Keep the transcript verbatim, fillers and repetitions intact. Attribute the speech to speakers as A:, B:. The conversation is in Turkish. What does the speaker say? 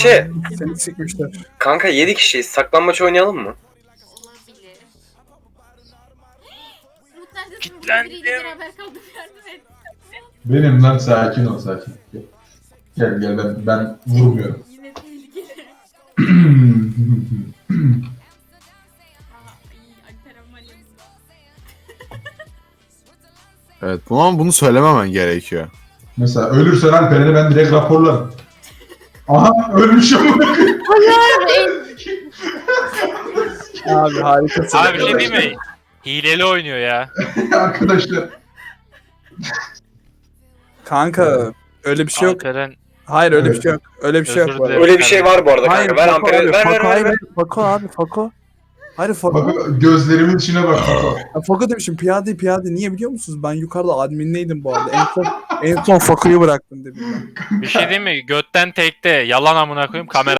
A: Ayşe.
B: Seni sikmişler.
A: Kanka yedi kişiyiz. Saklanmaç oynayalım mı?
C: Olabilir. Umut neredesin?
D: Kitlendim.
C: Biriyle beraber kaldım, yardım et.
E: Benim lan, sakin ol sakin. Gel gel, ben ben vurmuyorum.
C: Yine tehlikeli. Aa iyi, Alperen Malim.
F: Evet bunu ama bunu söylememen gerekiyor.
E: Mesela ölürsen Alperen'i ben direkt raporlarım. Aha ölmüşüm.
B: Abi harikasın.
D: Abi bir şey değil mi? Hileli oynuyor ya.
E: Arkadaşlar.
B: Kanka öyle bir şey yok.
D: Alperen
B: Hayır öyle bir
E: Evet.
B: şey yok. Öyle bir şey yok
D: Özür
B: bu arada.
D: dilerim.
A: Öyle bir şey var bu arada
B: Hayır,
A: kanka. Ver
B: Fako
A: amperi.
B: abi,
A: Ver ver
B: Fako,
A: ver.
B: hayır,
A: ver.
B: Fako abi, Fako. Hayır Fako.
E: Bak gözlerimin içine bak.
B: Ya, Fako demişim, piyade piyade. Niye biliyor musunuz? Ben yukarıda adminleydim bu arada. En son, en son Fako'yu bıraktım dedim ben.
D: bir şey değil mi? Götten tekte yalan amına koyayım kamera